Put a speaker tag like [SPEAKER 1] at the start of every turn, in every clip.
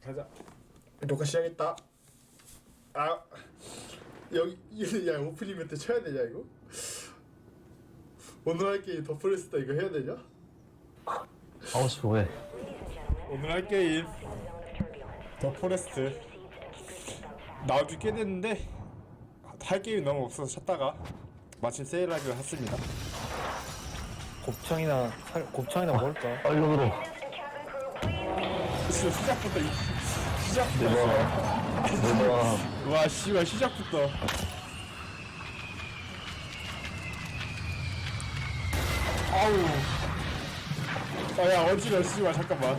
[SPEAKER 1] 가자. 녹화 시작했다. 아 여기 야 오프닝 때 쳐야 되냐 이거? 오늘 할 게임 더 프레스다 이거 해야 되냐?
[SPEAKER 2] 하고 싶어 왜?
[SPEAKER 1] 오늘 할 게임 더 포레스트 나온 지 꽤 됐는데 할 게임이 너무 없어서 찾다가 마침 세일하기로 했습니다.
[SPEAKER 3] 곱창이나 먹을까?
[SPEAKER 2] 아 이거 들어.
[SPEAKER 1] 시작부터
[SPEAKER 2] 내가
[SPEAKER 1] 와 씨발 시작부터 아우 아야 어지러워 씨발 잠깐만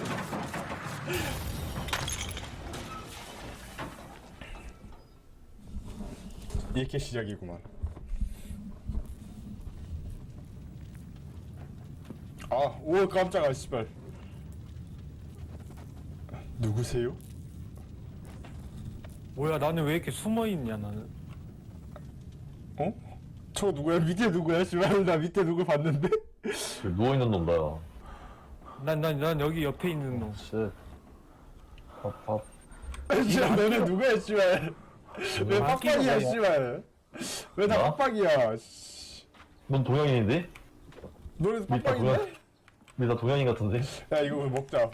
[SPEAKER 1] 이렇게 시작이구만. 오 깜짝아 씨발 누구세요?
[SPEAKER 3] 뭐야, 나는 왜 이렇게 숨어있냐, 나는.
[SPEAKER 1] 어? 저 누구야? 밑에 누구야? 씨발 나 밑에 누구 봤는데?
[SPEAKER 2] 누워있는 놈 나야.
[SPEAKER 3] 난 여기 옆에 있는 놈.
[SPEAKER 2] 쉣. 밥.
[SPEAKER 1] 씨발 너네 누구야 씨발 왜
[SPEAKER 3] 아,
[SPEAKER 1] 빡빡이야
[SPEAKER 3] 끼고
[SPEAKER 1] 씨발 왜 다
[SPEAKER 2] 나?
[SPEAKER 1] 빡빡이야
[SPEAKER 2] 넌 동양인인데?
[SPEAKER 1] 너네도
[SPEAKER 2] 밑에 동양.
[SPEAKER 1] 빡빡인데?
[SPEAKER 2] 근데 나 동양인 같은데?
[SPEAKER 1] 야 이거 먹자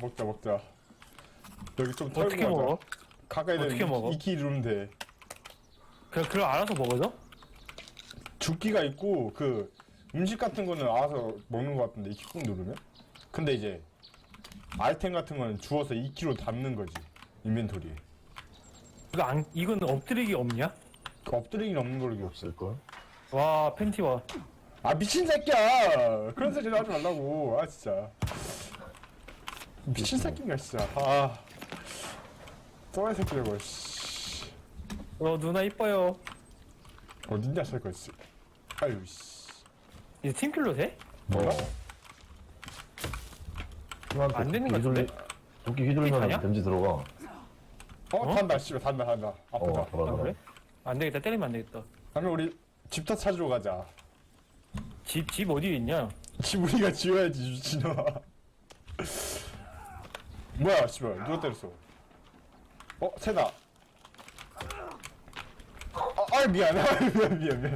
[SPEAKER 1] 여기 좀 털고
[SPEAKER 3] 어떻게
[SPEAKER 1] 가자.
[SPEAKER 3] 먹어?
[SPEAKER 1] 가까이
[SPEAKER 3] 어떻게
[SPEAKER 1] 되면
[SPEAKER 3] 먹어?
[SPEAKER 1] 익히 누르면 돼.
[SPEAKER 3] 그럼 알아서 먹어줘?
[SPEAKER 1] 죽기가 있고 그 음식 같은 거는 알아서 먹는 거 같은데 익히 꾹 누르면? 근데 이제 아이템 같은 거는 주워서 2kg 담는 거지 인벤토리에.
[SPEAKER 3] 이건 엎드리기 없냐?
[SPEAKER 1] 그 엎드리기는 없는 걸로 기억.
[SPEAKER 2] 없을걸?
[SPEAKER 3] 와, 팬티와.
[SPEAKER 1] 아 미친 새끼야! 그런 소리 하지 말라고. 아 진짜 미친 새끼인가 진짜. 또라이 새끼 저거. 씨.
[SPEAKER 3] 누나 이뻐요.
[SPEAKER 1] 어딨냐 설거 씨. 아유 씨.
[SPEAKER 3] 이제 팀킬로 돼?
[SPEAKER 1] 뭐야?
[SPEAKER 3] 안 되는 것 같은데?
[SPEAKER 2] 도끼
[SPEAKER 3] 아니야?
[SPEAKER 2] 휘둘리면 댐지 들어가.
[SPEAKER 1] 단다 씨발 단다 아프다.
[SPEAKER 2] 돌아.
[SPEAKER 3] 그래? 안 되겠다, 때리면 안 되겠다.
[SPEAKER 1] 그러면 우리 집터 찾으러 가자.
[SPEAKER 3] 집 어디 있냐?
[SPEAKER 1] 집 우리가 지어야지 미친놈아. 뭐야 씨발 누가 때렸어? 새다. 미안. 미안.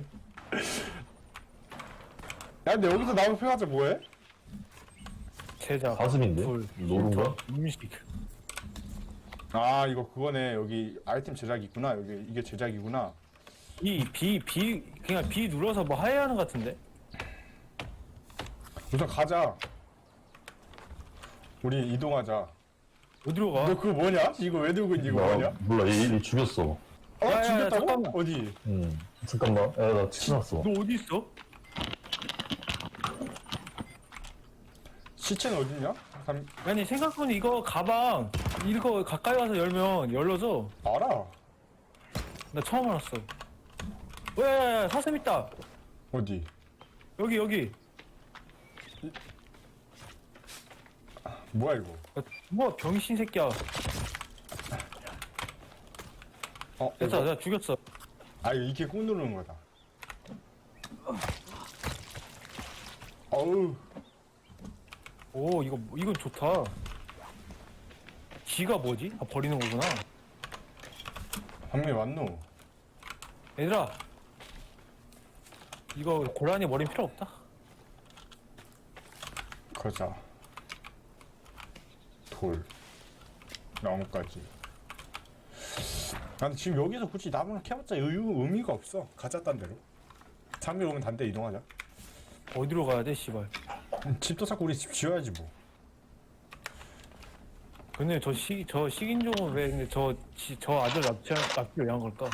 [SPEAKER 1] 야 근데 여기서 나무 펴가지고 뭐해?
[SPEAKER 3] 제작.
[SPEAKER 2] 가슴인데?
[SPEAKER 3] 불,
[SPEAKER 2] 노른가?
[SPEAKER 3] 음식.
[SPEAKER 1] 이거 그거네. 여기 아이템 제작이 있구나. 여기 이게 제작이구나.
[SPEAKER 3] 그냥 B 눌러서 뭐 해야 하는 것 같은데?
[SPEAKER 1] 우선 가자. 우리 이동하자.
[SPEAKER 3] 어디로 가?
[SPEAKER 1] 너 그거 뭐냐? 이거 왜 들고 있니? 이거 뭐냐?
[SPEAKER 2] 몰라 얘 죽였어.
[SPEAKER 3] 야,
[SPEAKER 1] 죽였다고?
[SPEAKER 3] 잠깐만.
[SPEAKER 1] 어디?
[SPEAKER 2] 잠깐만. 나 치났어.
[SPEAKER 3] 너 어디 있어?
[SPEAKER 1] 시체는 어딨냐?
[SPEAKER 3] 아니, 생각보니 이거 가방 이거 가까이 와서 열면 열려져.
[SPEAKER 1] 알아.
[SPEAKER 3] 나 처음 알았어. 야, 사슴 있다.
[SPEAKER 1] 어디?
[SPEAKER 3] 여기.
[SPEAKER 1] 뭐야 이거?
[SPEAKER 3] 뭐 병신 새끼야. 됐다,
[SPEAKER 1] 이거?
[SPEAKER 3] 나 죽였어.
[SPEAKER 1] 이거 이렇게 꾹 누르는 거다. 어우.
[SPEAKER 3] 오, 이건 좋다. 지가 뭐지? 버리는 거구나.
[SPEAKER 1] 방미 왔노?
[SPEAKER 3] 얘들아, 이거 고라니 머리는 필요 없다.
[SPEAKER 1] 가자. 돌. 나무까지. 근데 지금 여기서 굳이 나무를 캐봤자 의미가 없어. 가자 딴 데로. 장미 오면 딴 데 이동하자.
[SPEAKER 3] 어디로 가야 돼, 씨발.
[SPEAKER 1] 집도 자꾸 우리 집 지어야지 뭐.
[SPEAKER 3] 근데 저 식인종은 왜 근데 저 아들 납치를 위한 걸까?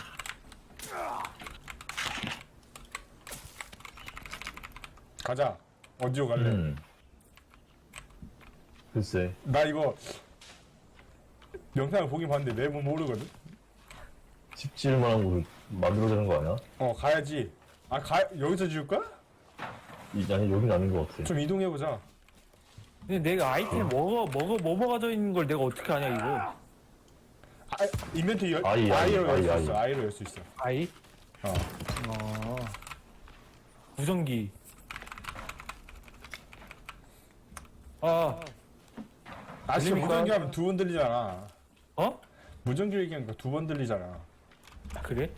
[SPEAKER 1] 가자. 어디로 갈래?
[SPEAKER 2] 글쎄.
[SPEAKER 1] 나 이거 영상을 보긴 봤는데 내부 모르거든.
[SPEAKER 2] 집 지을 만한 곳을 만들어야 되는 거 아니야?
[SPEAKER 1] 가야지. 여기서 지을 거야?
[SPEAKER 2] 아니 여긴 아닌 것 같아.
[SPEAKER 1] 좀 이동해보자.
[SPEAKER 3] 근데 내가 아이템 뭐 먹어져 있는 걸 내가 어떻게 아냐, 이거.
[SPEAKER 1] 인벤토리
[SPEAKER 2] 아이로
[SPEAKER 1] 열 수 있어. 아이로 열 수 있어.
[SPEAKER 3] 아이?
[SPEAKER 1] 어.
[SPEAKER 3] 무전기.
[SPEAKER 1] 지금
[SPEAKER 3] 들립니까?
[SPEAKER 1] 무전기 하면 두 번 들리잖아.
[SPEAKER 3] 어?
[SPEAKER 1] 무전기 얘기하니까 2번 들리잖아.
[SPEAKER 3] 아, 그래?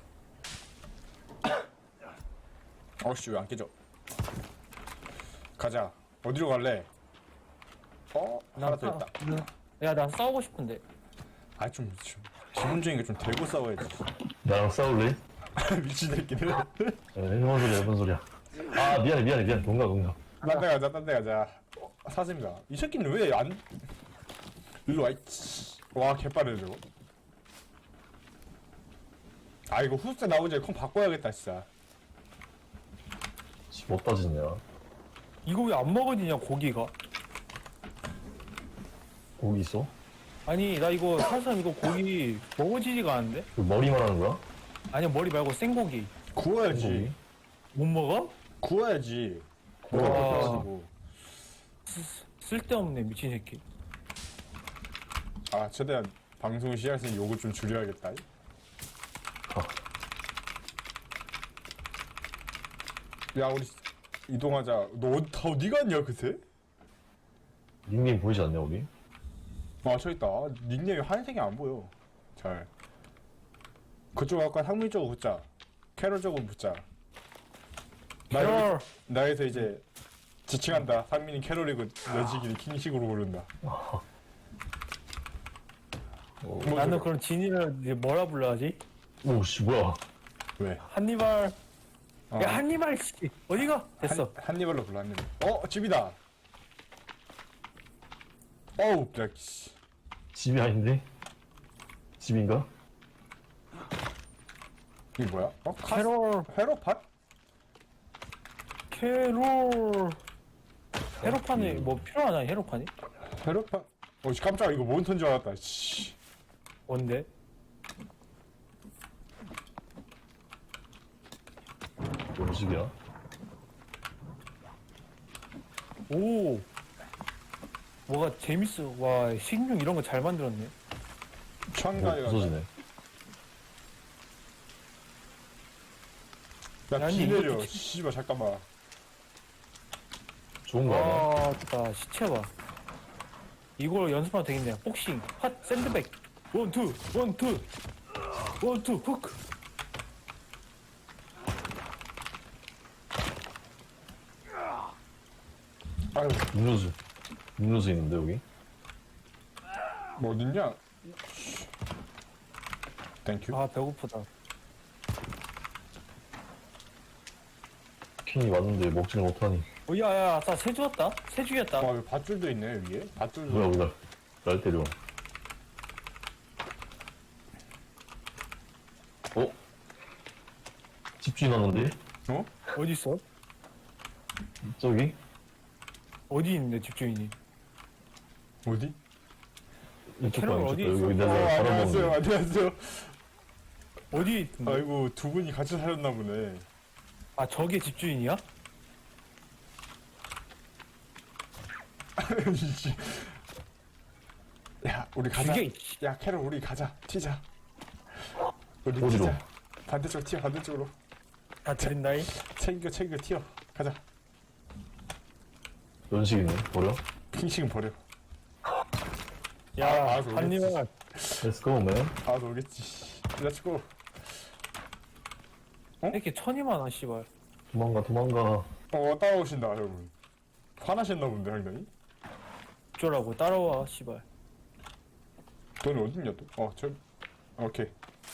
[SPEAKER 1] 어씨 왜 안 깨져? 가자. 어디로 갈래? 하나 더 있다.
[SPEAKER 3] 야, 나 싸우고 싶은데.
[SPEAKER 1] 좀 기본적인 게 좀 대고 싸워야지.
[SPEAKER 2] 나랑 싸울래?
[SPEAKER 1] 미친 새끼들.
[SPEAKER 2] 해본 소리야, 해본 소리야. 아, 미안해. 농가.
[SPEAKER 1] 딴 데 가자. 사슴이가. 이 새끼는 왜 안? 일로 와. 와 개빠르네 저거. 이거 후스 나오지 컴 바꿔야겠다 진짜.
[SPEAKER 2] 집 어디다 짓냐?
[SPEAKER 3] 이거 왜 안 먹어지냐, 고기가?
[SPEAKER 2] 고기 있어?
[SPEAKER 3] 아니, 나 이거 사실 이거 고기 먹어지지가 않은데?
[SPEAKER 2] 그 머리만 하는 거야?
[SPEAKER 3] 아니야, 머리 말고 생고기.
[SPEAKER 1] 구워야지.
[SPEAKER 2] 고기?
[SPEAKER 3] 못 먹어?
[SPEAKER 1] 구워야지.
[SPEAKER 3] 와.
[SPEAKER 1] 구워가지고.
[SPEAKER 3] 쓸데없네, 미친 새끼.
[SPEAKER 1] 최대한 방송 시작했으니 요거 좀 줄여야겠다. 야 우리 이동하자. 너 다 어디 갔냐 그새?
[SPEAKER 2] 닉네임 보이지 않냐, 우리?
[SPEAKER 1] 저기 있다. 닉네임이 하얀색이 안 보여. 잘. 그쪽 아까 상민 쪽으로 붙자. 캐롤 쪽으로 붙자.
[SPEAKER 3] 캐롤!
[SPEAKER 1] 나에서 이제 지칭한다. 상민이 캐롤이고 여지기는 킹식으로 부른다.
[SPEAKER 3] 나는 그럼 진이를 이제 뭐라 불러야지?
[SPEAKER 2] 오씨, 뭐야.
[SPEAKER 1] 왜?
[SPEAKER 3] 한니발. 야, 한니발, 씨. 어디가? 됐어.
[SPEAKER 1] 한니발로 불러 한니발. 집이다. 어우 야 씨.
[SPEAKER 2] 집이 아닌데? 집인가?
[SPEAKER 1] 이게 뭐야?
[SPEAKER 3] 캐롤.
[SPEAKER 1] 회로판?
[SPEAKER 3] 캐롤. 헤로판이 뭐 필요하나, 헤로판이?
[SPEAKER 1] 회로판? 씨 깜짝이야. 이거 몬스터인 줄 알았다. 씨.
[SPEAKER 3] 뭔데?
[SPEAKER 2] 뭔 집이야?
[SPEAKER 3] 오. 뭐가 재밌어. 와, 식용 이런 거 잘 만들었네.
[SPEAKER 1] 창가에 가자.
[SPEAKER 2] 부서지네.
[SPEAKER 1] 야,
[SPEAKER 3] 아니,
[SPEAKER 1] 비 내려.
[SPEAKER 3] 이것도
[SPEAKER 1] 씨발, 잠깐만.
[SPEAKER 2] 좋은 거 아니야?
[SPEAKER 3] 나 시체 봐. 이걸 연습하면 되겠네요. 복싱, 핫, 샌드백. 원투, 훅.
[SPEAKER 1] 아유,
[SPEAKER 2] 음료수 있는데, 여기?
[SPEAKER 1] 뭐 어딨냐? 땡큐.
[SPEAKER 3] 아, 배고프다.
[SPEAKER 2] 킹이 왔는데 먹지를 못하니.
[SPEAKER 3] 야, 아싸, 새 주었다? 새 주였다.
[SPEAKER 1] 여기 밧줄도 있네, 위에. 밧줄도.
[SPEAKER 2] 뭐야, 우리 날 때려. 집주인 왔는데?
[SPEAKER 1] 어?
[SPEAKER 3] 어디 있어?
[SPEAKER 2] 저기?
[SPEAKER 3] 어디 있는데, 집주인이?
[SPEAKER 1] 어디?
[SPEAKER 2] 이쪽
[SPEAKER 3] 캐롤
[SPEAKER 2] 방,
[SPEAKER 3] 어디
[SPEAKER 2] 이쪽 방. 여기
[SPEAKER 3] 있어?
[SPEAKER 2] 내가
[SPEAKER 1] 안녕하세요,
[SPEAKER 2] 바라보는
[SPEAKER 1] 안녕하세요.
[SPEAKER 3] 어디 있는데?
[SPEAKER 1] 아이고, 두 분이 같이 살았나 보네.
[SPEAKER 3] 아, 저게 집주인이야?
[SPEAKER 1] 이씨. 야, 우리 가자.
[SPEAKER 3] 죽여,
[SPEAKER 1] 야, 캐롤, 우리 가자. 튀자. 우리
[SPEAKER 2] 어디로?
[SPEAKER 1] 튀자. 반대쪽 튀어, 반대쪽으로.
[SPEAKER 3] 다 드린다이.
[SPEAKER 1] 챙겨, 튀어. 가자.
[SPEAKER 2] 연식이네. 버려?
[SPEAKER 1] 킹식은 버려.
[SPEAKER 3] 야,
[SPEAKER 1] 알아서
[SPEAKER 3] 한입만.
[SPEAKER 2] Let's go, man.
[SPEAKER 1] 오겠지. 렛츠고.
[SPEAKER 3] 이렇게 천이만 하, 씨발.
[SPEAKER 2] 도망가.
[SPEAKER 1] 따라오신다, 여러분. 화나셨나 본데, 상당히.
[SPEAKER 3] 어쩌라고, 따라와, 씨발.
[SPEAKER 1] 너는 어딨냐, 또? 오케이.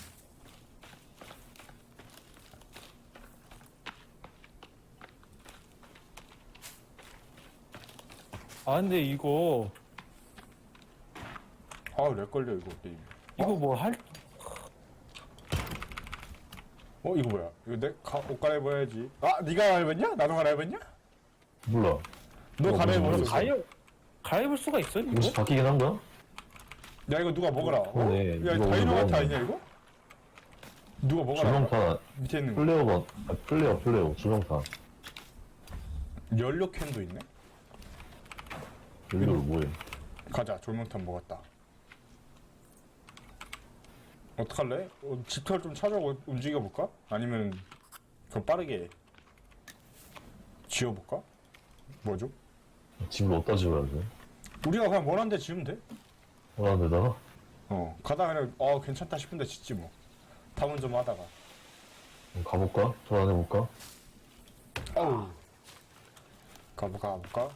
[SPEAKER 3] 아, 근데 이거
[SPEAKER 1] 렉 걸려, 이거, 게임.
[SPEAKER 3] 뭐 할,
[SPEAKER 1] 이거 뭐야? 이거 옷 갈아입어야지. 네가 갈아입었냐? 나도 갈아입었냐?
[SPEAKER 2] 몰라.
[SPEAKER 1] 너 갈아입었어.
[SPEAKER 3] 가입을 수가 있어, 이거?
[SPEAKER 2] 혹시 바뀌긴 한 거야?
[SPEAKER 1] 야, 이거 누가 먹어라.
[SPEAKER 2] 그러네.
[SPEAKER 1] 야,
[SPEAKER 2] 이거
[SPEAKER 1] 다이너마이트
[SPEAKER 2] 먹었네.
[SPEAKER 1] 아니냐, 이거? 누가 먹어라.
[SPEAKER 2] 조명판,
[SPEAKER 1] 밑에 있는 거.
[SPEAKER 2] 플레이어, 조명판.
[SPEAKER 1] 연료 캔도 있네?
[SPEAKER 2] 여기로 뭐해?
[SPEAKER 1] 가자, 조명탄 먹었다. 어떡할래? 집털 좀 찾아 움직여볼까? 아니면 그럼 빠르게 지어볼까? 뭐죠?
[SPEAKER 2] 집을 어디다 지어야 돼?
[SPEAKER 1] 우리가 그냥 원하는 데 지으면 돼.
[SPEAKER 2] 데다가?
[SPEAKER 1] 가다가 그냥 괜찮다 싶은데 짓지 뭐. 탐험 좀 하다가.
[SPEAKER 2] 가볼까? 돌아다녀볼까?
[SPEAKER 1] 어우. 가볼까?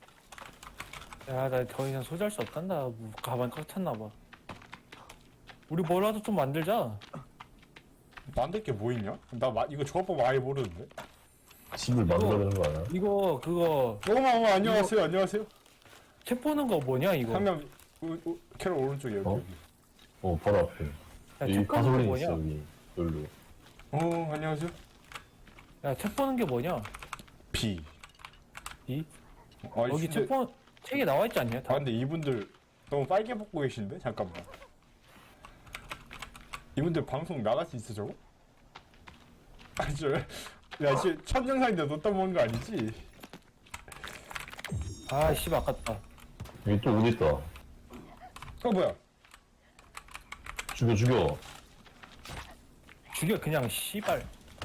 [SPEAKER 3] 야, 나 더 이상 소지할 수 없단다. 뭐 가방 꽉 찼나봐. 우리 뭐라도 좀 만들자.
[SPEAKER 1] 만들 게 뭐 있냐? 이거 조합법 아예 모르는데.
[SPEAKER 2] 집을 만들어야 되는 거 아니야?
[SPEAKER 3] 이거 그거
[SPEAKER 1] 어머 안녕하세요. 안녕하세요.
[SPEAKER 3] 책 보는 거 뭐냐 이거?
[SPEAKER 1] 한명 캐롤 오른쪽에 여기.
[SPEAKER 2] 바로 앞에.
[SPEAKER 3] 야,
[SPEAKER 2] 여기
[SPEAKER 3] 책 보는 게
[SPEAKER 2] 가솔린
[SPEAKER 3] 뭐냐?
[SPEAKER 2] 있어, 여기. 여기로.
[SPEAKER 1] 안녕하세요.
[SPEAKER 3] 야, 책 보는 게 뭐냐?
[SPEAKER 1] B.
[SPEAKER 3] 이?
[SPEAKER 1] 아니,
[SPEAKER 3] 여기
[SPEAKER 1] 근데,
[SPEAKER 3] 책에 나와 있지 않냐? 다?
[SPEAKER 1] 근데 이분들 너무 빨개 벗고 계신데? 잠깐만. 이분들 방송 나갈 수 있어 저거? 아니 지금 첫 영상인데 너 떠먹은 거 아니지?
[SPEAKER 3] 아, 씨, 아깝다.
[SPEAKER 2] 여기 또 어디 있다.
[SPEAKER 1] 뭐야?
[SPEAKER 2] 죽여.
[SPEAKER 3] 죽여 그냥 씨발.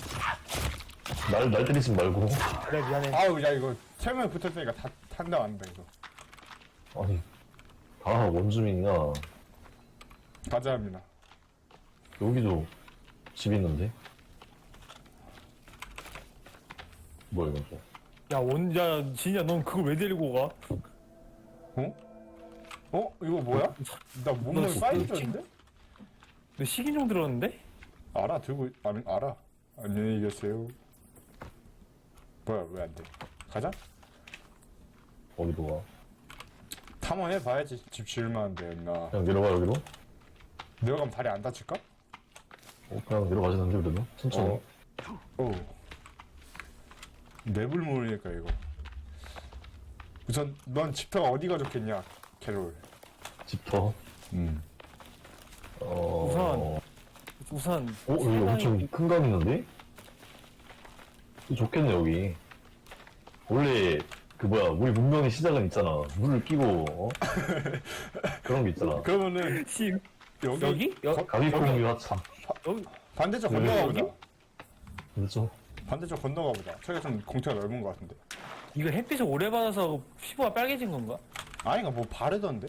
[SPEAKER 2] 날 때리지 말고.
[SPEAKER 3] 그래 미안해.
[SPEAKER 1] 아우 야 이거 세 명 붙었으니까 다 탄다한다 이거.
[SPEAKER 2] 아니, 다 원주민이야.
[SPEAKER 1] 가자합니다.
[SPEAKER 2] 여기도 집 있는데? 뭐야, 이건 또.
[SPEAKER 3] 야, 진짜 넌 그걸 왜 데리고 가?
[SPEAKER 1] 이거 뭐야? 나 몸을
[SPEAKER 3] 너
[SPEAKER 1] 사이즈인데?
[SPEAKER 3] 너 식인종 들었는데?
[SPEAKER 1] 알아. 안녕히 계세요. 뭐야 왜 안 돼? 가자.
[SPEAKER 2] 어디로 가?
[SPEAKER 1] 탐험해 봐야지. 집 지을만한데 나.
[SPEAKER 2] 그냥 내려가, 여기로?
[SPEAKER 1] 내려가면 다리 안 다칠까?
[SPEAKER 2] 그냥 내려가지는데, 그래도? 천천히.
[SPEAKER 1] 맵을 모르니까 이거. 우선 넌 집터가 어디가 좋겠냐, 캐롤.
[SPEAKER 2] 집터.
[SPEAKER 3] 우선
[SPEAKER 2] 여기 엄청 큰 강 있는데? 좋겠네, 여기. 원래, 우리 문명의 시작은 있잖아. 물을 끼고, 그런 게 있잖아.
[SPEAKER 1] 그러면은
[SPEAKER 3] 씨
[SPEAKER 1] 여기?
[SPEAKER 2] 가비콩류 하참.
[SPEAKER 3] 여기
[SPEAKER 1] 반대쪽
[SPEAKER 2] 여기?
[SPEAKER 1] 건너가 보자.
[SPEAKER 2] 그렇죠?
[SPEAKER 1] 반대쪽 건너가 보자. 저기가 좀 공터가 넓은 것 같은데.
[SPEAKER 3] 이거 햇빛을 오래 받아서 피부가 빨개진 건가?
[SPEAKER 1] 아니가 뭐 바르던데?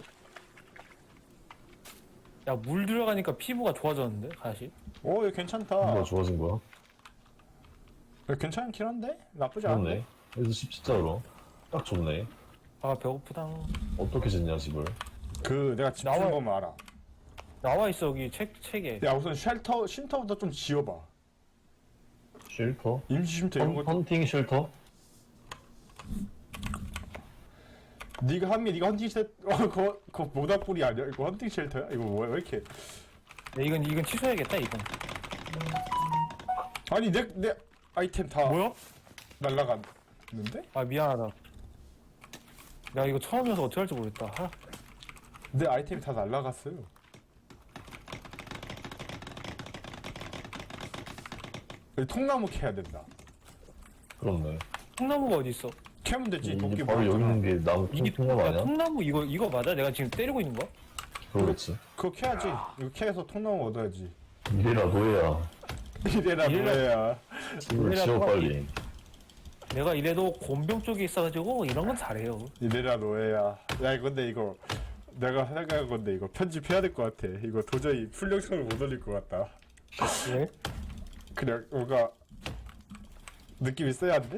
[SPEAKER 3] 야, 물 들어가니까 피부가 좋아졌는데 다시?
[SPEAKER 1] 이거 괜찮다.
[SPEAKER 2] 뭐가 좋아진 거야?
[SPEAKER 1] 이거 괜찮긴 한데? 나쁘지 않네.
[SPEAKER 2] 좋네. 여기서 집 진짜 그럼. 딱 좋네.
[SPEAKER 3] 아, 배고프다.
[SPEAKER 2] 어떻게 짓냐, 집을.
[SPEAKER 1] 내가 집
[SPEAKER 3] 나와요.
[SPEAKER 1] 지은 거면 알아.
[SPEAKER 3] 나와 있어 여기 책에.
[SPEAKER 1] 야 우선 쉼터부터 좀 지어봐.
[SPEAKER 2] 쉘터?
[SPEAKER 1] 임시 쉼터 이런 거.
[SPEAKER 2] 헌팅 쉘터?
[SPEAKER 1] 네가 헌팅 쉘터. 그거 모닥불이 아니야? 이거 헌팅 쉘터야? 이거 뭐야? 왜 이렇게?
[SPEAKER 3] 야, 이건 취소해야겠다 이건.
[SPEAKER 1] 아니 내 아이템 다
[SPEAKER 3] 뭐야?
[SPEAKER 1] 날라갔는데?
[SPEAKER 3] 아, 미안하다. 야, 이거 처음이어서 어떻게 할지 모르겠다.
[SPEAKER 1] 내 아이템이 다 날라갔어요. 여기 통나무 캐야 된다.
[SPEAKER 2] 그렇네.
[SPEAKER 3] 통나무가 어디 있어?
[SPEAKER 1] 캐면 되지. 도끼
[SPEAKER 2] 이게 바로 여기 있는 게 나무 통나무
[SPEAKER 3] 야,
[SPEAKER 2] 아니야?
[SPEAKER 3] 통나무 이거 맞아? 내가 지금 때리고 있는 거?
[SPEAKER 2] 그러겠지.
[SPEAKER 1] 그거 캐야지. 이거 캐서 통나무 얻어야지.
[SPEAKER 2] 이래라 노예야.
[SPEAKER 1] 이래라 뭐야.
[SPEAKER 2] 집을
[SPEAKER 3] 이래라
[SPEAKER 2] 지어
[SPEAKER 3] 노예.
[SPEAKER 2] 빨리.
[SPEAKER 3] 내가 이래도 곤병 쪽에 있어가지고 이런 건 잘해요.
[SPEAKER 1] 이래라 노예야. 야 근데 이거 내가 생각한 건데 이거 편집해야 될 것 같아. 이거 도저히 풀영상을 못 올릴 것 같다.
[SPEAKER 3] 왜?
[SPEAKER 1] 그냥 뭔가 느낌 있어야 안 돼?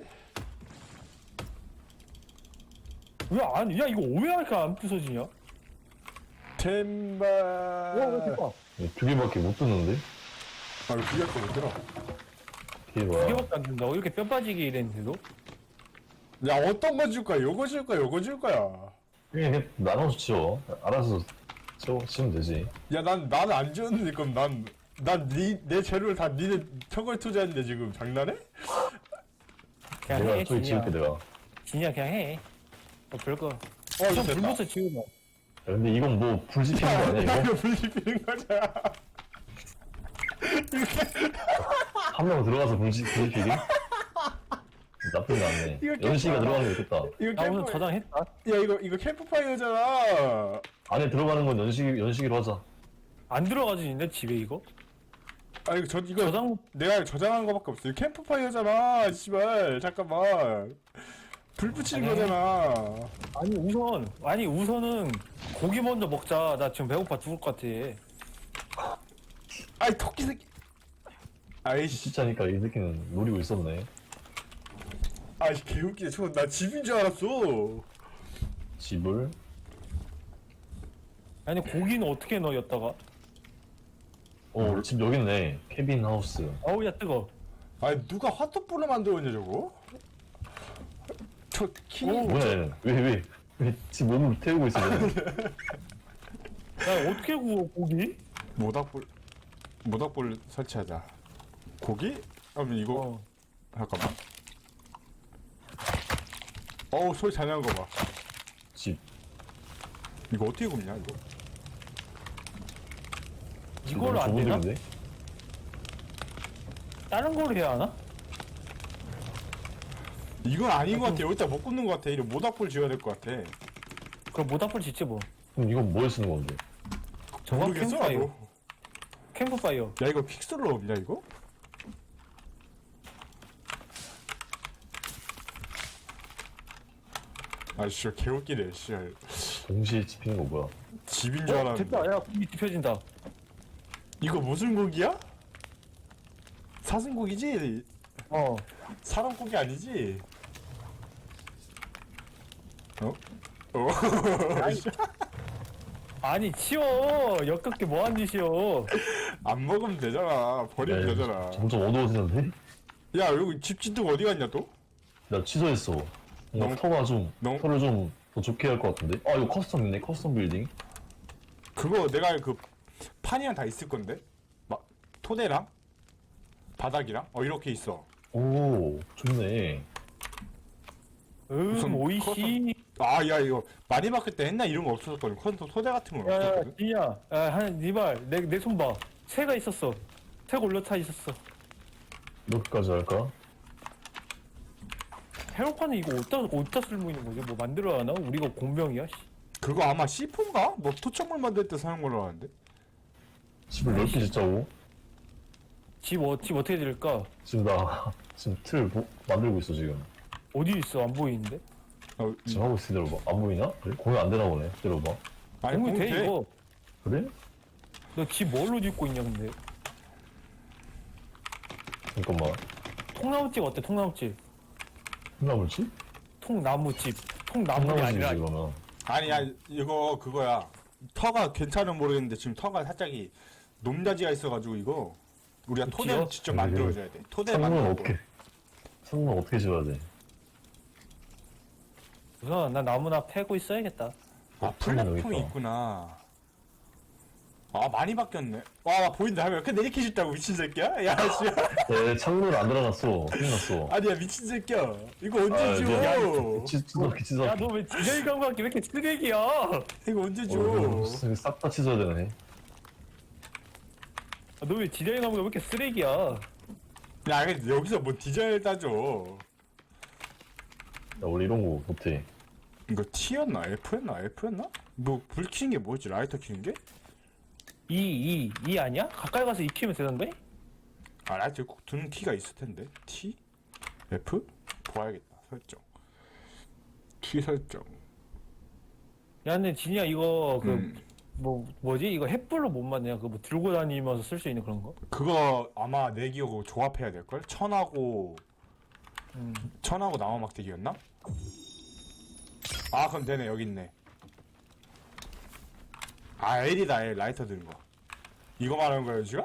[SPEAKER 3] 왜 아니? 야, 이거 왜 이렇게 안 부서지냐?
[SPEAKER 1] 템바.
[SPEAKER 3] 대박.
[SPEAKER 2] 두 개밖에 못 듣는데?
[SPEAKER 1] 이거 비교할 못 들어.
[SPEAKER 2] 이게
[SPEAKER 3] 두
[SPEAKER 2] 뭐야?
[SPEAKER 3] 개밖에 안 된다고? 이렇게 뼈 빠지게 이랬는데도?
[SPEAKER 1] 야 어떤 거 줄 거야? 요거 줄 거야? 요거 줄 거야?
[SPEAKER 2] 그냥 나눠서 치워. 알아서 치우면 되지.
[SPEAKER 1] 야 나는 안 지웠는데 그럼 내 재료를 다 니네 저걸 투자했는데 지금 장난해?
[SPEAKER 3] 그냥
[SPEAKER 2] 내가
[SPEAKER 3] 해,
[SPEAKER 2] 저기
[SPEAKER 3] 진이야.
[SPEAKER 2] 지을게 내가. 야,
[SPEAKER 3] 진이야, 그냥 해. 별거.
[SPEAKER 1] 이거
[SPEAKER 3] 좀
[SPEAKER 1] 됐다.
[SPEAKER 3] 불면서 지우면.
[SPEAKER 2] 근데 이건 뭐 불지피는 거 아니야
[SPEAKER 1] 야
[SPEAKER 2] 이거?
[SPEAKER 1] 이거 불리피는 거잖아.
[SPEAKER 2] 한 명 들어가서 불지피기? 나쁘지 않네.
[SPEAKER 1] 이거
[SPEAKER 2] 연식이가 들어가는 게 좋겠다.
[SPEAKER 1] 이거
[SPEAKER 3] 나 오늘
[SPEAKER 1] 캠프
[SPEAKER 3] 저장했다.
[SPEAKER 1] 야 이거 캠프파이어잖아.
[SPEAKER 2] 안에 들어가는 건 연식이로 하자.
[SPEAKER 3] 안 들어가지는데 집에 이거?
[SPEAKER 1] 아 이거 이거
[SPEAKER 3] 저장
[SPEAKER 1] 내가 저장한 거밖에 없어. 이거 캠프파이어잖아. 씨발 잠깐만. 불 붙이는
[SPEAKER 3] 아니.
[SPEAKER 1] 거잖아.
[SPEAKER 3] 아니 우선은 고기 먼저 먹자. 나 지금 배고파 죽을 것 같아.
[SPEAKER 1] 아이 토끼 새끼. 아이씨.
[SPEAKER 2] 진짜니까 이 새끼는 노리고 있었네.
[SPEAKER 1] 아이 개웃기네. 저나 집인 줄 알았어.
[SPEAKER 2] 집을.
[SPEAKER 3] 아니 고기는 어떻게 넣어 였다가?
[SPEAKER 2] 집 여기 있네. 케빈 하우스.
[SPEAKER 3] 어우 야 뜨거.
[SPEAKER 1] 아니 누가 화토불을 만들었냐 저거? 저 키는
[SPEAKER 2] 뭐야, 왜 집 몸을 태우고 있어, 쟤는.
[SPEAKER 3] 야 어떻게 구워 고기?
[SPEAKER 1] 모닥불 설치하자. 고기? 그러면 이거
[SPEAKER 3] 어.
[SPEAKER 1] 잠깐만. 어우 소리 잘 나는 거 봐.
[SPEAKER 2] 집.
[SPEAKER 1] 이거 어떻게 굽냐 이거?
[SPEAKER 3] 이걸로 안 되나?
[SPEAKER 2] 좁은데?
[SPEAKER 3] 다른 걸로 해야 하나?
[SPEAKER 1] 이건 아닌 것 같아. 여기다 못 굽는 것 같아. 이거 모닥불 지어야 될 것 같아.
[SPEAKER 3] 그럼 모닥불 짓지 뭐.
[SPEAKER 2] 그럼 이건 뭐에 쓰는 건데?
[SPEAKER 3] 저거
[SPEAKER 1] 모르겠어.
[SPEAKER 3] 캠프파이어.
[SPEAKER 1] 나도.
[SPEAKER 3] 캠프파이어.
[SPEAKER 1] 야 이거 픽셀로 없냐 이거? 아 진짜 개웃기네. 진짜
[SPEAKER 2] 동시에 집히는 거 뭐야?
[SPEAKER 1] 집인 줄 알았는데.
[SPEAKER 3] 됐다. 야 고기 뒤펴진다.
[SPEAKER 1] 이거 무슨 고기야? 사슴고기지?
[SPEAKER 3] 어.
[SPEAKER 1] 사람 고기 아니지? 어? 어?
[SPEAKER 3] 아니 치워. 역겹게 뭐한 짓이여.
[SPEAKER 1] 안 먹으면 되잖아. 버리면
[SPEAKER 2] 야,
[SPEAKER 1] 되잖아.
[SPEAKER 2] 점점 어두워지는데?
[SPEAKER 1] 야 여기 집 짓는 거 어디 갔냐 또?
[SPEAKER 2] 나 취소했어. 뭔가
[SPEAKER 1] 너무-
[SPEAKER 2] 터가 좀,
[SPEAKER 1] 너무-
[SPEAKER 2] 터를 좀 더 좋게 할 것 같은데? 아, 이거 커스텀 있네, 커스텀 빌딩.
[SPEAKER 1] 그거 내가 그 판이랑 다 있을 건데? 막 토대랑 바닥이랑 이렇게 있어.
[SPEAKER 2] 오, 좋네.
[SPEAKER 1] 무슨
[SPEAKER 3] 오이씨.
[SPEAKER 1] 아 야 이거 많이 바뀔 때 옛날 이런 거 없었거든. 콘솔 토대 같은 거
[SPEAKER 3] 야야
[SPEAKER 1] 없었거든.
[SPEAKER 3] 진이야. 야한니말 내 손 봐. 새가 있었어. 새가 올려타 있었어.
[SPEAKER 2] 이렇게까지 할까?
[SPEAKER 3] 헤로파는 이거 어디다 쓸모 있는 거지? 뭐 만들어야 하나? 우리가 공병이야? 씨.
[SPEAKER 1] 그거 아마 C4인가? 뭐 토착물 만들 때 사용 걸로 아는데.
[SPEAKER 2] 집을 넓게 짓자고?
[SPEAKER 3] 집 어떻게 지을까?
[SPEAKER 2] 지금 나, 지금 만들고 있어, 지금.
[SPEAKER 3] 어디 있어? 안 보이는데?
[SPEAKER 2] 지금 하고 있어, 기다려봐. 안 보이나? 그래? 공유 안 되나 보네, 기다려봐.
[SPEAKER 1] 아니
[SPEAKER 3] 공이
[SPEAKER 1] 공이
[SPEAKER 3] 돼
[SPEAKER 1] 돼.
[SPEAKER 3] 이거.
[SPEAKER 2] 그래?
[SPEAKER 3] 너 집 뭘로 짓고 있냐 근데?
[SPEAKER 2] 잠깐만.
[SPEAKER 3] 통나무집 어때? 통나무집.
[SPEAKER 2] 콩나물집?
[SPEAKER 3] 통나무집. 통나무가
[SPEAKER 2] 콩나물집이지,
[SPEAKER 3] 아니라
[SPEAKER 2] 그러면.
[SPEAKER 1] 아니야 이거 그거야. 터가 괜찮은 모르겠는데 지금 터가 살짝이 높낮이가 있어가지고 이거 우리가
[SPEAKER 3] 그치요?
[SPEAKER 1] 토대를 직접
[SPEAKER 2] 네,
[SPEAKER 1] 만들어줘야 돼. 토대
[SPEAKER 2] 창문은
[SPEAKER 1] 만들고.
[SPEAKER 2] 어떻게, 창문은 어떻게 지어야 돼?
[SPEAKER 3] 우선 나 나무나 패고 있어야겠다.
[SPEAKER 1] 아
[SPEAKER 2] 창문 여기
[SPEAKER 1] 플랫폼이
[SPEAKER 2] 있다.
[SPEAKER 1] 있구나. 아 많이 바뀌었네. 와 보인다 하면 근데 이렇게 쉽다고 미친 새끼야? 야 씨.
[SPEAKER 2] 내 창문을 안 들어놨어. 큰일 났어.
[SPEAKER 1] 아니야 미친 새끼야. 이거 언제
[SPEAKER 2] 아,
[SPEAKER 1] 줘?
[SPEAKER 2] 찢어기, 찢어기.
[SPEAKER 3] 야 너 왜 지저귀 감각이 왜 이렇게 쓰레기야?
[SPEAKER 1] 이거 언제 줘?
[SPEAKER 2] 싹 다 찢어야 되네.
[SPEAKER 3] 너 왜 지저귀 감각이 왜 이렇게 쓰레기야?
[SPEAKER 1] 야 근데 여기서 뭐 디자인을 따져.
[SPEAKER 2] 나 원래 이런 거 못해.
[SPEAKER 1] 이거 T였나 F였나 F였나? 뭐 불 켜는 게 뭐였지? 라이터 켜는 게?
[SPEAKER 3] 이 아니야? 가까이 가서 이 키면 되던데?
[SPEAKER 1] 아 라이터 꼭 두는 키가 있을 텐데. T? F? 봐야겠다. 설정. 키 설정.
[SPEAKER 3] 야 근데 진이야 이거
[SPEAKER 1] 음.
[SPEAKER 3] 뭐지? 이거 햇불로 못 맞냐? 그거 뭐 들고 다니면서 쓸 수 있는 그런 거?
[SPEAKER 1] 그거 아마 내 기억으로 조합해야 될걸? 천하고 천하고 나무 막대기였나? 아 그럼 되네 여기 있네. 아 L이다 L 라이터 드는 거. 이거 말하는 거예요 지금?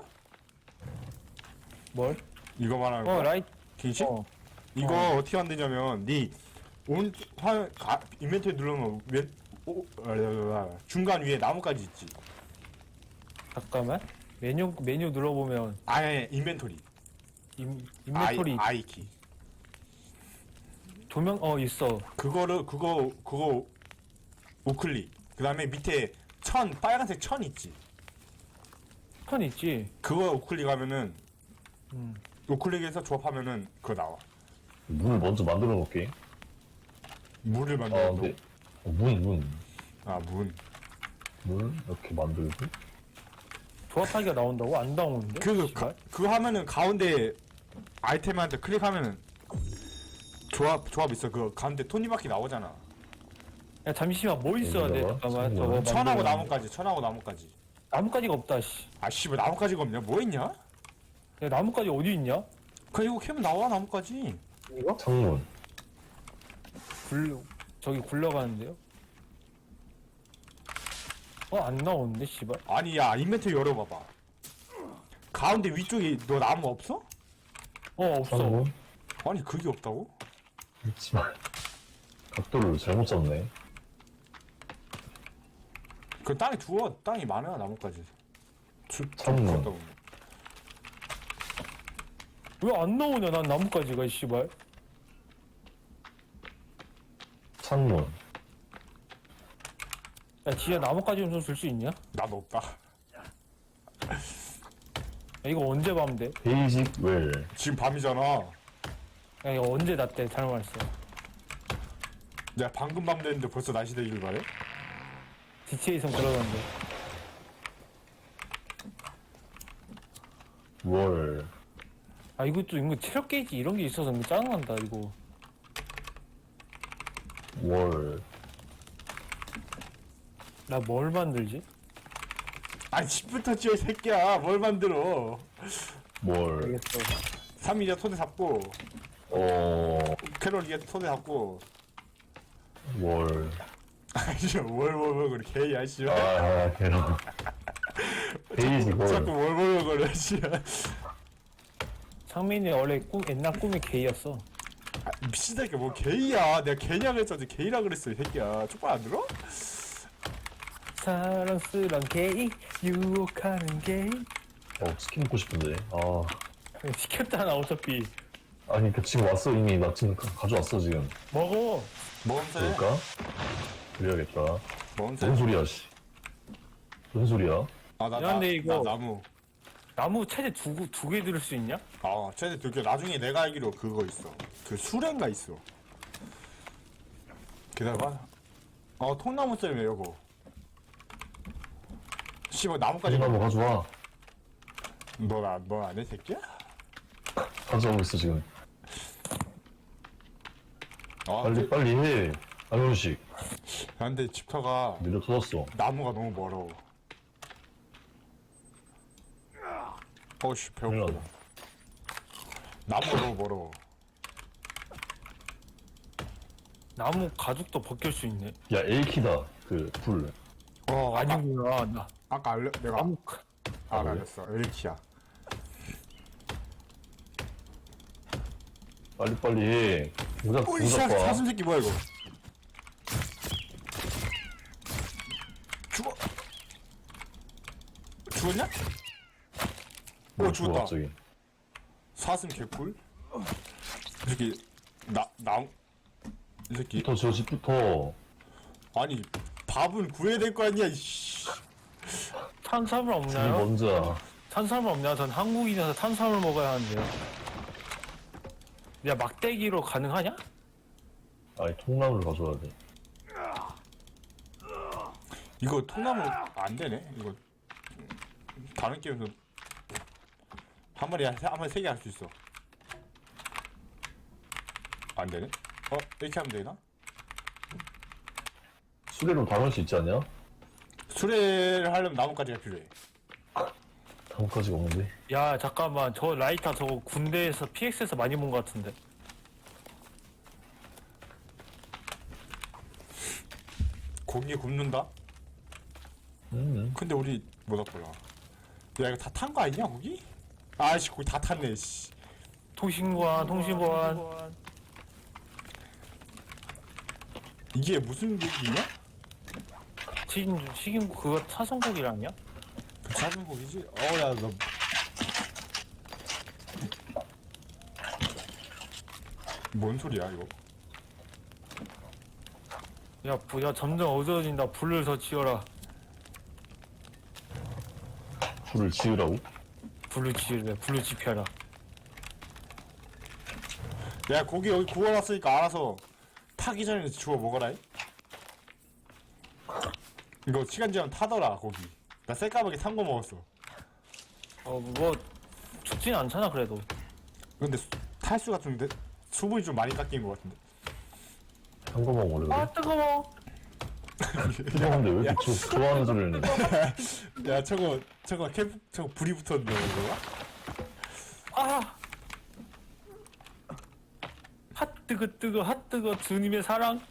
[SPEAKER 3] 뭘?
[SPEAKER 1] 이거 말하는 거?
[SPEAKER 3] 라이트.
[SPEAKER 1] 킹식? 이거 어떻게 만드냐면 온 인벤토리 누르면 중간 위에 나무까지 있지.
[SPEAKER 3] 잠깐만. 메뉴 눌러보면
[SPEAKER 1] 아니 인벤토리.
[SPEAKER 3] 인벤토리
[SPEAKER 1] I 키.
[SPEAKER 3] 조명 있어.
[SPEAKER 1] 그거 우클릭. 그다음에 밑에 빨간색 천 있지.
[SPEAKER 3] 턴 있지.
[SPEAKER 1] 그거 우클릭하면은
[SPEAKER 3] 음.
[SPEAKER 1] 우클릭해서 조합하면은 그거 나와.
[SPEAKER 2] 문을 먼저 만들어 놓을게.
[SPEAKER 1] 물을
[SPEAKER 2] 아,
[SPEAKER 1] 만들어.
[SPEAKER 2] 근데, 문. 문, 이렇게 만들고.
[SPEAKER 3] 조합하기가 나온다고? 안 나오는데?
[SPEAKER 1] 그거
[SPEAKER 3] 씨발.
[SPEAKER 1] 그거 하면은 가운데 아이템한테 클릭하면은 조합 있어. 그 가운데 톱니바퀴 나오잖아.
[SPEAKER 3] 야 잠시만 뭐 있어야 돼?
[SPEAKER 2] 여기다가
[SPEAKER 3] 잠깐만
[SPEAKER 2] 창문.
[SPEAKER 3] 저거
[SPEAKER 1] 천하고
[SPEAKER 3] 만들었는데.
[SPEAKER 1] 나무까지. 천하고 나무까지.
[SPEAKER 3] 나뭇가지가 없다 씨.
[SPEAKER 1] 아씨 왜 나무까지가 없냐? 뭐 있냐?
[SPEAKER 3] 야 나뭇가지 어디 있냐?
[SPEAKER 1] 그 이거 캐면 나와 나무까지.
[SPEAKER 3] 이거?
[SPEAKER 2] 창문.
[SPEAKER 3] 저기 굴러가는데요? 안 나오는데 씨발.
[SPEAKER 1] 아니 야 인벤토리 열어봐봐. 가운데 위쪽에 너 나무 없어?
[SPEAKER 3] 없어.
[SPEAKER 2] 창문.
[SPEAKER 1] 아니 그게 없다고?
[SPEAKER 2] 있지만 각도를 잘못 잡네.
[SPEAKER 1] 그 땅에 두어. 땅이 많아 나무까지.
[SPEAKER 2] 창문.
[SPEAKER 3] 왜 안 나오냐 난 나뭇가지가 씨발.
[SPEAKER 2] 창문.
[SPEAKER 3] 야 지야 나뭇가지 좀 줄 수 있냐?
[SPEAKER 1] 나도 없다.
[SPEAKER 3] 야, 이거 언제 밤 돼?
[SPEAKER 2] 베이직 웰.
[SPEAKER 1] 지금 밤이잖아.
[SPEAKER 3] 야 이거 언제 났대? 잘못 말했어.
[SPEAKER 1] 내가 방금 밤 됐는데 벌써 날씨 되길 바래?
[SPEAKER 3] DTA에선 그러던데.
[SPEAKER 2] 월.
[SPEAKER 3] 이거 체력 게이지 이런 게 있어서 너무 짜증난다 이거.
[SPEAKER 2] 월.
[SPEAKER 3] 나 뭘 만들지?
[SPEAKER 1] 아니 집부터 지어 이 새끼야. 뭘 만들어.
[SPEAKER 2] 월.
[SPEAKER 3] 알겠어.
[SPEAKER 1] 3일이야 토대 잡고 캐롤이야 토대 잡고.
[SPEAKER 2] 월.
[SPEAKER 1] 아니 월월월 그래 개야 씨발.
[SPEAKER 2] 아, 걔는. 베이직
[SPEAKER 1] 자꾸
[SPEAKER 2] 월.
[SPEAKER 1] 월월월 거려 씨발.
[SPEAKER 3] 상민이 원래 옛날 꿈이 게이였어.
[SPEAKER 1] 미친 새끼 뭐 게이야. 내가 게이라 그랬었지. 게이라 그랬어 이 새끼야. 쪽발 안 들어?
[SPEAKER 3] 사랑스런 게이, 유혹하는 게이.
[SPEAKER 2] 치킨 먹고 싶은데. 아.
[SPEAKER 3] 시켰잖아 어차피.
[SPEAKER 2] 아니, 그 지금 왔어, 이미. 나 지금 가져왔어, 지금.
[SPEAKER 3] 먹어.
[SPEAKER 1] 뭔데?
[SPEAKER 2] 그럴까? 그래야겠다.
[SPEAKER 1] 뭔데?
[SPEAKER 2] 뭔 소리야, 씨. 무슨 소리야?
[SPEAKER 1] 아나
[SPEAKER 3] 미안한데, 이거.
[SPEAKER 1] 나무.
[SPEAKER 3] 나무 최대 두 개 들을 수 있냐?
[SPEAKER 1] 아 최대 두개. 나중에 내가 알기로 그거 있어. 그 수레인가 있어. 기다려봐. 통나무 썰매 요거. 씨발 나무까지.
[SPEAKER 2] 가져가, 뭐 가져와.
[SPEAKER 1] 너 안 해 새끼야?
[SPEAKER 2] 가져오고 있어, 지금.
[SPEAKER 1] 아
[SPEAKER 2] 빨리 해. 안현식.
[SPEAKER 1] 근데 집터가
[SPEAKER 2] 밀려 터졌어.
[SPEAKER 1] 나무가 너무 멀어. 어씨 배고프다.
[SPEAKER 2] 큰일
[SPEAKER 1] 나무가 너무 멀어.
[SPEAKER 3] 나무 가죽도 벗길 수 있네.
[SPEAKER 2] 야, A키다. 그, 불.
[SPEAKER 3] 아니구나. 나
[SPEAKER 1] 아까 내가
[SPEAKER 3] 나무
[SPEAKER 1] 알았어. 엘키야.
[SPEAKER 2] 빨리 해. 모자
[SPEAKER 1] 오이
[SPEAKER 2] 봐.
[SPEAKER 1] 사슴 새끼 뭐야 이거? 죽었냐?
[SPEAKER 2] 뭐
[SPEAKER 1] 죽었다.
[SPEAKER 2] 갑자기.
[SPEAKER 1] 사슴 개꿀? 이 새끼 이 새끼
[SPEAKER 2] 저 집부터.
[SPEAKER 1] 아니 밥은 구해야 될 거 아니야 이씨.
[SPEAKER 3] 탄수화물
[SPEAKER 2] 집이
[SPEAKER 3] 없나요?
[SPEAKER 2] 먼저야.
[SPEAKER 3] 탄수화물 없냐? 전 한국인이라서 탄수화물 먹어야 하는데요. 야 막대기로 가능하냐?
[SPEAKER 2] 아니, 통나무를 가져와야 돼.
[SPEAKER 1] 이거 통나무 안 되네. 이거 다른 게임에서 한 마리 세 개 할 수 있어. 안 되네. 이렇게 하면 되나?
[SPEAKER 2] 수레로 담을 수 있지 않냐?
[SPEAKER 1] 수레를 하려면 나무까지가 필요해.
[SPEAKER 2] 나뭇가지가 없는데.
[SPEAKER 3] 야 잠깐만 저 라이터 저거 군대에서 PX에서 많이 본 것 같은데.
[SPEAKER 1] 고기 굽는다? 근데 우리 못 왔더라. 야 이거 다 탄 거 아니냐 고기? 아이씨 고기 다 탔네 씨.
[SPEAKER 3] 통신보안.
[SPEAKER 1] 이게 무슨 고기냐?
[SPEAKER 3] 튀김 그거 사성고기 아니야?
[SPEAKER 1] 그 작은 고기지? 어야 너 뭔 소리야 이거?
[SPEAKER 3] 야 점점 어두워진다. 불을 더 지어라.
[SPEAKER 2] 불을 지으라고?
[SPEAKER 3] 불을 지으래. 불을 지펴라.
[SPEAKER 1] 야 고기 여기 구워놨으니까 알아서 타기 전에 주워 먹어라. 이거 시간 지나면 타더라 고기. 나 새까맣게 탄 거 먹었어.
[SPEAKER 3] 뭐 죽진 않잖아 그래도.
[SPEAKER 1] 근데 탈수가 좀 수분이 좀 많이 깎인 것 같은데.
[SPEAKER 2] 한 거만 오래 그래?
[SPEAKER 3] 아 뜨거워.
[SPEAKER 2] 뜨거운데 왜 이렇게 좋아하는 소리를 내?
[SPEAKER 1] 야 저거 불이 붙었는데 이거.
[SPEAKER 3] 아. 핫 뜨거 핫 뜨거 주님의 사랑.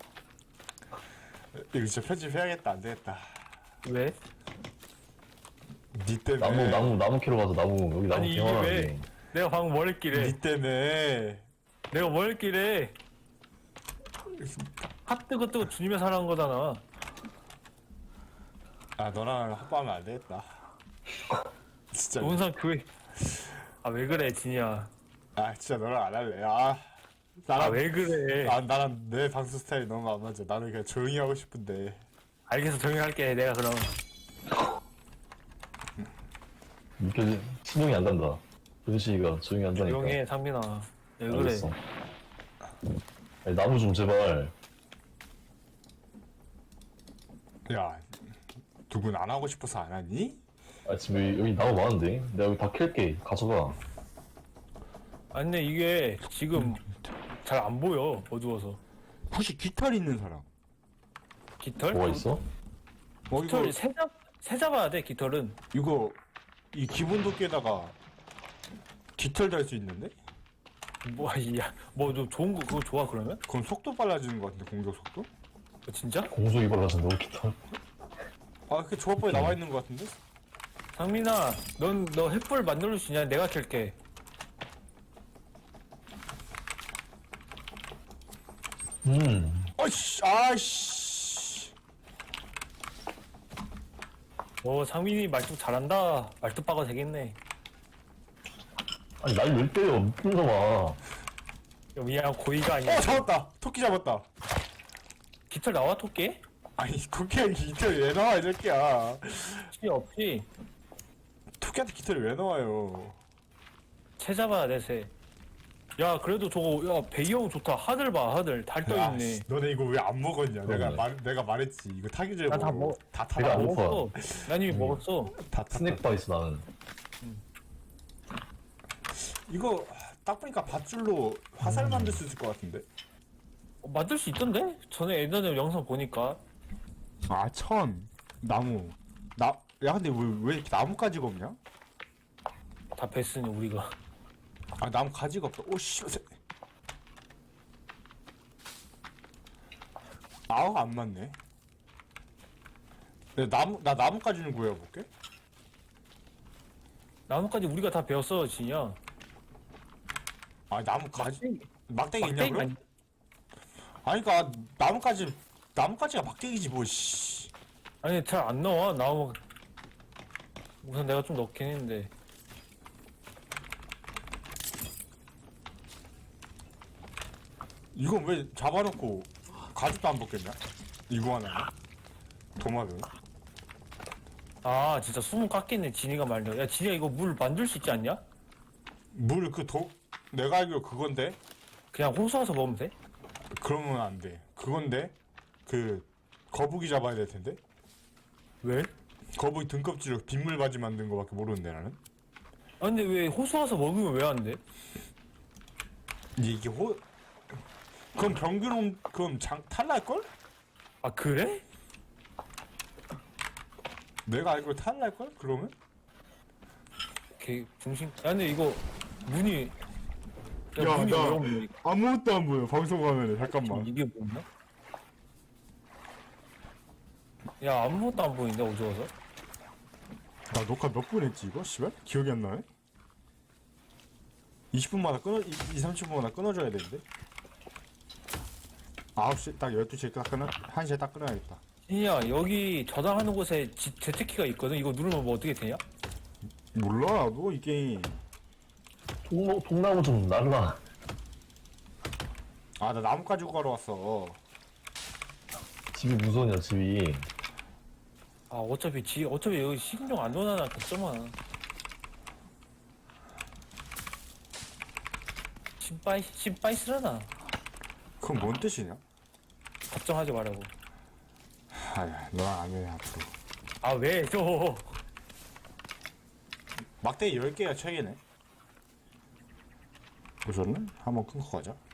[SPEAKER 1] 이거 진짜 편집해야겠다. 안 되겠다.
[SPEAKER 3] 왜?
[SPEAKER 1] 니 때문에.
[SPEAKER 2] 나무 캐러 가서 나무 여기 나무
[SPEAKER 3] 아니 이게
[SPEAKER 2] 개화나게.
[SPEAKER 3] 왜? 내가 방금 뭘 했길래?
[SPEAKER 1] 니 때문에.
[SPEAKER 3] 내가 뭘 했길래? 핫 뜨거 주님의 사랑 거잖아.
[SPEAKER 1] 아 너랑 합방하면 안 되겠다. 진짜.
[SPEAKER 3] 논산 교회. 아 왜 그래 진이야.
[SPEAKER 1] 아 진짜 너랑 안 할래. 아 나랑
[SPEAKER 3] 아 왜 그래?
[SPEAKER 1] 나랑 내 방송 스타일이 너무 안 맞아. 나는 그냥 조용히 하고 싶은데.
[SPEAKER 3] 알겠어 조용히 할게 내가 그럼.
[SPEAKER 2] 느껴지 신용이 안 간다. 조시가 조용히 한다니까.
[SPEAKER 3] 조용히 해 상민아. 왜 그래?
[SPEAKER 2] 알겠어. 아니, 나무 좀 제발.
[SPEAKER 1] 야 누군 안 하고 싶어서 안 하니?
[SPEAKER 2] 아 지금 여기 나무 많은데. 내가 여기 다 캘게. 가져가.
[SPEAKER 3] 아니 근데 이게 지금 잘 안 보여 어두워서.
[SPEAKER 1] 혹시 깃털 있는 사람?
[SPEAKER 3] 깃털?
[SPEAKER 2] 뭐가 있어?
[SPEAKER 1] 어 이거
[SPEAKER 3] 깃털 새 잡아야 돼 깃털은.
[SPEAKER 1] 이거 이 기본 도끼에다가 깃털 달 수 있는데?
[SPEAKER 3] 뭐야뭐너 좋은 거 그거 좋아 그러면?
[SPEAKER 1] 그럼 속도 빨라지는 것 같은데 공격 속도?
[SPEAKER 3] 진짜?
[SPEAKER 2] 공속이 빨라진다. 깃털.
[SPEAKER 1] 아 그 조합법에 나와 있는 것 같은데?
[SPEAKER 3] 상민아 너 횃불 만들 수 있냐? 내가 캘게.
[SPEAKER 1] 어이씨 아이씨.
[SPEAKER 3] 상민이 말뚝 잘한다. 말뚝박아 되겠네.
[SPEAKER 2] 아니 날 왜 때려? 미친 놈아.
[SPEAKER 3] 그냥 고의가 아니야.
[SPEAKER 1] 잡았다. 토끼 잡았다.
[SPEAKER 3] 깃털 나와 토끼?
[SPEAKER 1] 아니 토끼한테 깃털이 왜 나와 이 새끼야.
[SPEAKER 3] 필요 없지.
[SPEAKER 1] 토끼한테 깃털이 왜 나와요?
[SPEAKER 3] 새 잡아야 돼 새. 야 그래도 저거 야 배경 좋다. 하늘 봐 하늘 달 떠
[SPEAKER 1] 야,
[SPEAKER 3] 있네.
[SPEAKER 1] 씨, 너네 이거 왜 안 먹었냐?
[SPEAKER 2] 그러네.
[SPEAKER 1] 내가 말했지. 이거 타기 전에
[SPEAKER 3] 나 다
[SPEAKER 1] 먹어.
[SPEAKER 3] 먹-
[SPEAKER 1] 다
[SPEAKER 2] 내가
[SPEAKER 1] 타다
[SPEAKER 2] 안
[SPEAKER 1] 먹어.
[SPEAKER 2] 먹어.
[SPEAKER 3] 먹었어. 난 이미 먹었어.
[SPEAKER 1] 다 탔다.
[SPEAKER 2] 스낵 바 있어 나는.
[SPEAKER 1] 이거 딱 보니까 밧줄로 화살 만들 수 있을 것 같은데.
[SPEAKER 3] 만들 수 있던데? 전에 예전에 영상 보니까.
[SPEAKER 1] 아, 나무. 야, 근데 왜 이렇게 나무가지가 없냐?
[SPEAKER 3] 다 뱄으니 우리가.
[SPEAKER 1] 아, 나무 가지가 없다. 오, 씨. 아우, 안 맞네. 나 나무까지는 구해볼게.
[SPEAKER 3] 나뭇가지 우리가 다 배웠어 진이야.
[SPEAKER 1] 아, 나무 가지. 막대기 있냐,
[SPEAKER 3] 막대기
[SPEAKER 1] 그럼? 아니, 그니까, 나무까지가 막대기지, 뭐, 씨.
[SPEAKER 3] 아니 잘 안 나와 나무. 우선 내가 좀 넣긴 했는데.
[SPEAKER 1] 이건 왜 잡아놓고 가죽도 안 벗겼냐? 이구아나 도마뱀.
[SPEAKER 3] 아 진짜 수문 깎겠네 진이가 말려. 야 진이야 이거 물 만들 수 있지 않냐?
[SPEAKER 1] 내가 알기로 그건데.
[SPEAKER 3] 그냥 호수 와서 먹으면 돼?
[SPEAKER 1] 그러면 안 돼. 그건데 거북이 잡아야 될 텐데.
[SPEAKER 3] 왜?
[SPEAKER 1] 거북이 등껍질로 빗물 바지 만든 거밖에 모르는데 나는.
[SPEAKER 3] 아 근데 왜 호수 와서 먹으면 왜 안 돼?
[SPEAKER 1] 이게 그럼 그럼 탈날 걸?
[SPEAKER 3] 아 그래?
[SPEAKER 1] 내가 알기로 탈날 걸? 그러면?
[SPEAKER 3] 개 중심. 야 근데 이거 문이. 야,
[SPEAKER 1] 야,
[SPEAKER 3] 문이
[SPEAKER 1] 나-
[SPEAKER 3] 왜 없냐?
[SPEAKER 1] 아무것도 안 보여. 방송 화면에 잠깐만.
[SPEAKER 3] 이게 뭐냐? 야 아무것도 안 보이는데 어두워서?
[SPEAKER 1] 나 녹화 몇 분 했지 이거? 씨발? 기억이 안 나네. 20분마다 30분마다 끊어줘야 되는데. 9시 딱 12시에 딱 끊어 1시에 딱 끊어야겠다.
[SPEAKER 3] 진이야 여기 저장하는 곳에 재택키가 있거든. 이거 누르면 뭐 어떻게 되냐?
[SPEAKER 1] 몰라 나도 이 게임.
[SPEAKER 2] 통나무 좀 날라.
[SPEAKER 1] 아 나 나무 가지고 가러 왔어.
[SPEAKER 2] 집이 무서우냐 집이.
[SPEAKER 3] 아 어차피 여기 식인종 안 넣어놔 걱정마. 신바이 쓰려나?
[SPEAKER 1] 그건 뭔 뜻이냐?
[SPEAKER 3] 걱정하지 말라고.
[SPEAKER 1] 아야 너랑 안 해 앞으로.
[SPEAKER 3] 아 왜 또?
[SPEAKER 1] 막대기 10개가 책이네. 보셨네? 한번 끊고 가자.